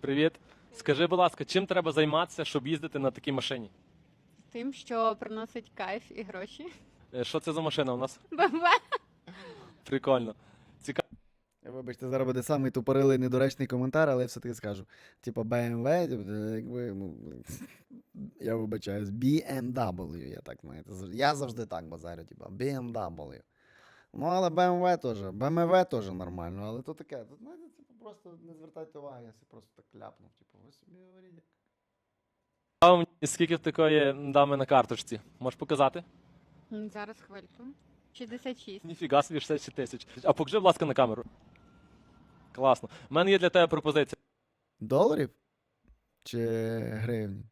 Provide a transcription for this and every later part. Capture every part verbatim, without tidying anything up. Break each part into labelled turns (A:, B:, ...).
A: Привіт. Скажи, будь ласка, чим треба займатися, щоб їздити на такій машині?
B: Тим, що приносить кайф і гроші.
A: Е, Що це за машина у нас?
B: БМВ.
A: Прикольно. Цікаво.
C: Вибачте, зараз буде самий тупорилий недоречний коментар, але я все-таки скажу. Типа бе ем ве, типу, якби, ну, я вибачаюсь, бі ем дабл ю, я так, знаєте, завжди- я завжди так базарю, типа бі ем дабл ю. Ну, але бе ем ве теж, бе ем ве теж нормально, але то таке, тут, знаєте, типу, просто не звертайте уваги, я собі просто так ляпнув, типу, ви собі говоріть.
A: Мені, скільки в такої дами на карточці? Можеш показати?
B: М, Зараз хвильку. шістдесят шість.
A: Ніфіга собі, шістдесят шість тисяч. А покажи, будь ласка, на камеру. Класно. У мене є для тебе пропозиція.
C: Доларів? Чи гривні?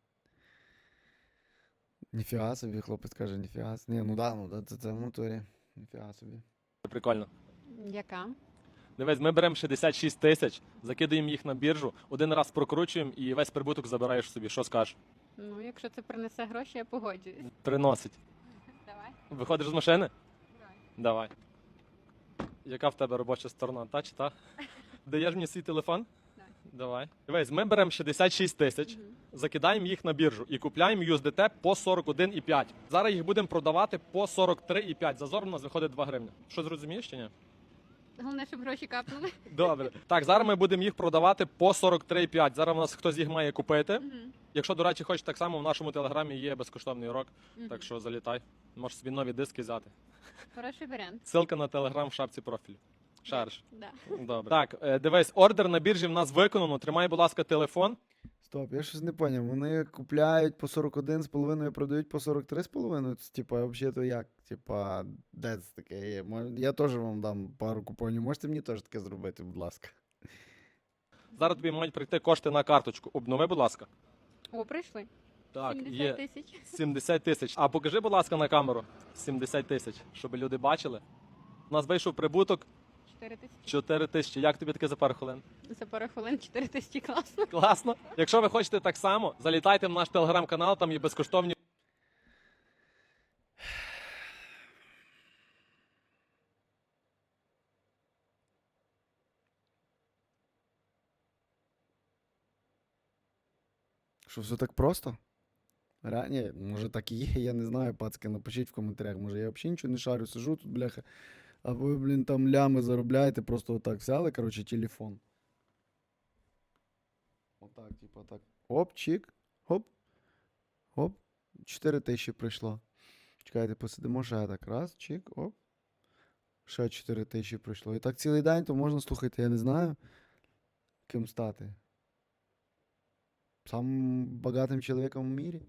C: Ніфіга собі, хлопець каже, ніфіга собі. Ні, ну да, ну да, це, це в натурі. Ніфіга собі.
A: Прикольно.
B: Яка?
A: Дивись, ми беремо шістдесят шість тисяч, закидаємо їх на біржу, один раз прокручуємо і весь прибуток забираєш собі. Що скажеш?
B: Ну, якщо це принесе гроші, я погоджуюсь.
A: Приносить.
B: Давай.
A: Виходиш з машини?
B: Давай.
A: Давай. Яка в тебе робоча сторона? Та чи та? Даєш мені свій телефон?
B: Так.
A: Давай. Дивись, ми беремо шістдесят шість тисяч,
B: Мгм.
A: закидаємо їх на біржу і купляємо ю ес ді те по сорок один і п'ять. Зараз їх будемо продавати по сорок три і п'ять. Зазор у нас виходить два гривні. Що зрозумієш чи ні?
B: Головне, щоб гроші капнули.
A: Добре. Так, зараз ми будемо їх продавати по сорок три і п'ять. Зараз у нас хтось їх має купити.
B: Мгм.
A: Якщо, до речі, хочеш так само, в нашому телеграмі є безкоштовний урок,
B: Мгм.
A: так що залітай. Можеш собі нові диски взяти.
B: Хороший варіант.
A: Ссылка на телеграм в шапці профілю. Шариш.
B: Да.
A: Добре. Так, е, дивись, ордер на біржі в нас виконано. Тримай, будь ласка, телефон.
C: Стоп, я щось не поняв. Вони купляють по сорок один з половиною, продають по сорок три з половиною? Це, Типа, взагалі то як? Типа, де це таке є? Мож- Я теж вам дам пару купонів. Можете мені теж таке зробити, будь ласка.
A: Зараз тобі мають прийти кошти на карточку. Обнови, будь ласка.
B: О, прийшли.
A: Так,
B: сімдесят
A: є
B: тисяч.
A: сімдесят тисяч. А покажи, будь ласка, на камеру. сімдесят тисяч, щоб люди бачили. У нас вийшов прибуток
B: чотири тисячі.
A: чотири тисячі. Як тобі таке за пару хвилин?
B: За пару хвилин чотири тисячі класно.
A: Класно. Якщо ви хочете так само, залітайте в наш телеграм-канал, там є безкоштовні.
C: Що все так просто? Ре... Ні, може так і є, я не знаю, пацки, напишіть в коментарях. Може я взагалі нічого не шарю, сижу тут, бляха. А ви, блін, там лями заробляєте, просто отак взяли, коротше, телефон. Отак, типу, так. Оп, чик, хоп, хоп, чотири тисячі прийшло. Чекайте, посидимо ще так. Раз, чик, оп. Ще чотири тисячі прийшло. І так цілий день, то можна, слухайте, я не знаю, ким стати. Самим багатим чоловіком в мірі.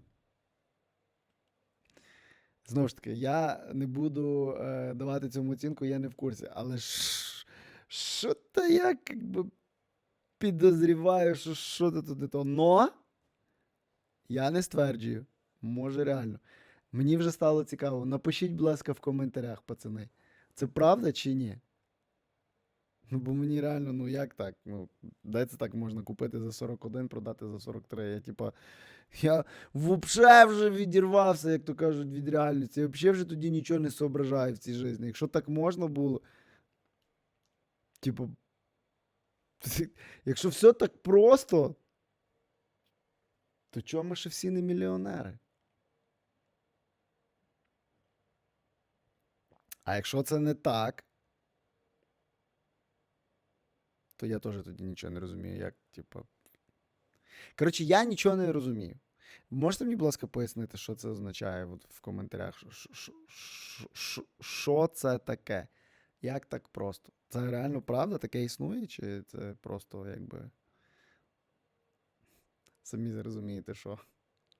C: Знову ж таки, я не буду е, давати цьому оцінку, я не в курсі. Але ш- що то я якби підозріваю, що що то туди то. Но я не стверджую. Може реально. Мені вже стало цікаво. Напишіть, будь ласка, в коментарях, пацани. Це правда чи ні? Ну, бо мені реально, ну як так? Ну, де це так можна купити за сорок один, продати за сорок три? Я, типа, я вообще вже відірвався, як то кажуть, від реальності. Я взагалі вже тоді нічого не соображаю в цій житті. Якщо так можна було, типу, якщо все так просто, то чому ми ще всі не мільйонери? А якщо це не так, то я теж тоді нічого не розумію, як, типу. Коротше, я нічого не розумію. Можете мені, будь ласка, пояснити, що це означає от в коментарях? Що- що- що- що- Що це таке? Як так просто? Це реально правда таке існує? Чи це просто якби. Самі зрозумієте, що?